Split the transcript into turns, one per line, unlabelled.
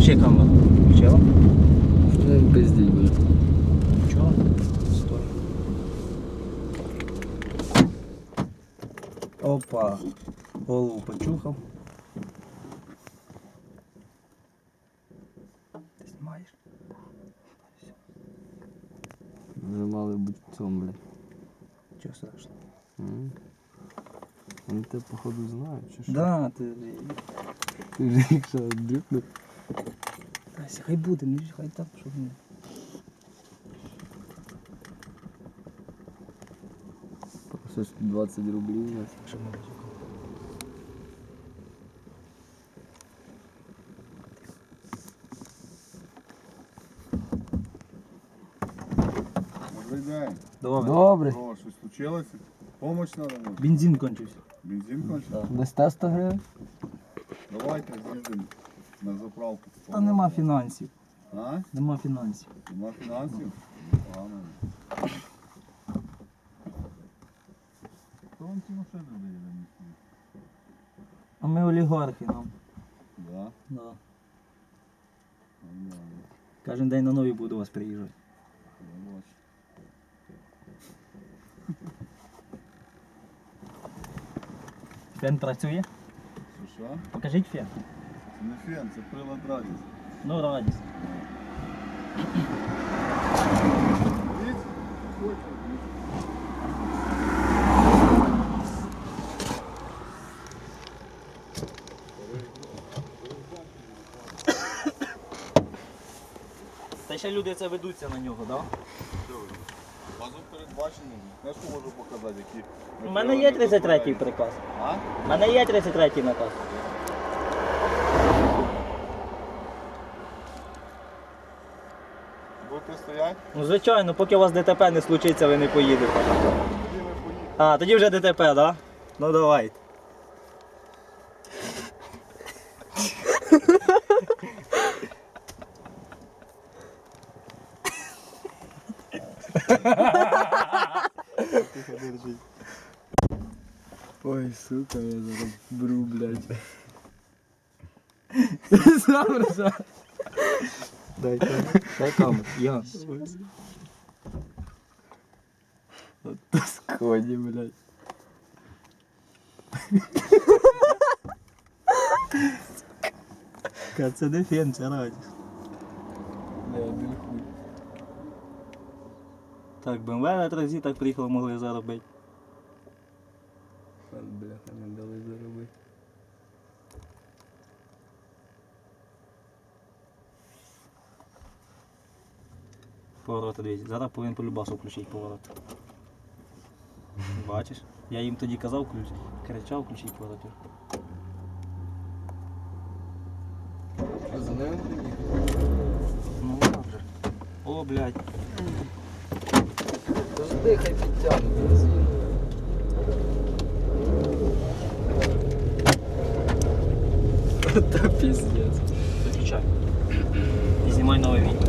Включи камеру. Включила?
Ну, пиздіть буде.
Чого? Стой. Опа. Голову почухав. Ти знімаєш?
Вже мали бути в цьому, блядь.
Чого страшного?
Вони тебе, походу, знають, чи що?
Да, ти...
Ти вже їх що, дрюкнув?
Тася, хай буде, ну хай так, щоб не...
Щось 20 рублів.
Що ми робимо?
Добрий день.
Добре.
Добре.
Що, щось случилося? Помощь треба може?
Бензин кончився.
Бензин кончив?
Да.
Дасте 100 гривень?
Давайте з'їздимо на заправку.
Та нема фінансів.
А?
Нема фінансів.
Нема фінансів? Погано. Хто вам ці машини дає на місці?
А ми олігархи нам.
Да?
Да.
Нормально.
Кожен день на нові буду до вас приїжджати.
Я бачу.
Фен працює?
Що?
Покажіть фен.
Це не фен, це прилад радість.
Ну, радість.
Дивіться? Хоче.
Та ще люди це ведуться на нього, так?
Базу передбачено. Знаєш, що можу показати, які...
У мене є 33-й приказ.
А?
У мене є 33-й наказ.
Будете стояти?
Ну, звичайно, поки у вас ДТП не случиться, ви не поїдете.
Тоді ми поїдемо.
А, тоді вже ДТП, так? Да? Ну давайте.
Ой, сука, я зараз бру, блядь.
Дай камеру. Я.
Тосконі, блядь.
Це не фен, це радість.
Не, один хуй.
Так, БМВ на тразі так приїхали, могли заробити.
Пан, бляха, не дали заробити.
Повороти дивіться. Зараз повинен по любасу включити поворот. Бачиш? Я їм тоді казав, кричав, включіть поворот.
А за ними приїхав?
Ну так вже. О, блядь.
Завжди хай підтягнуть бензин. Та піздець.
Виключай. І знімай нове відео.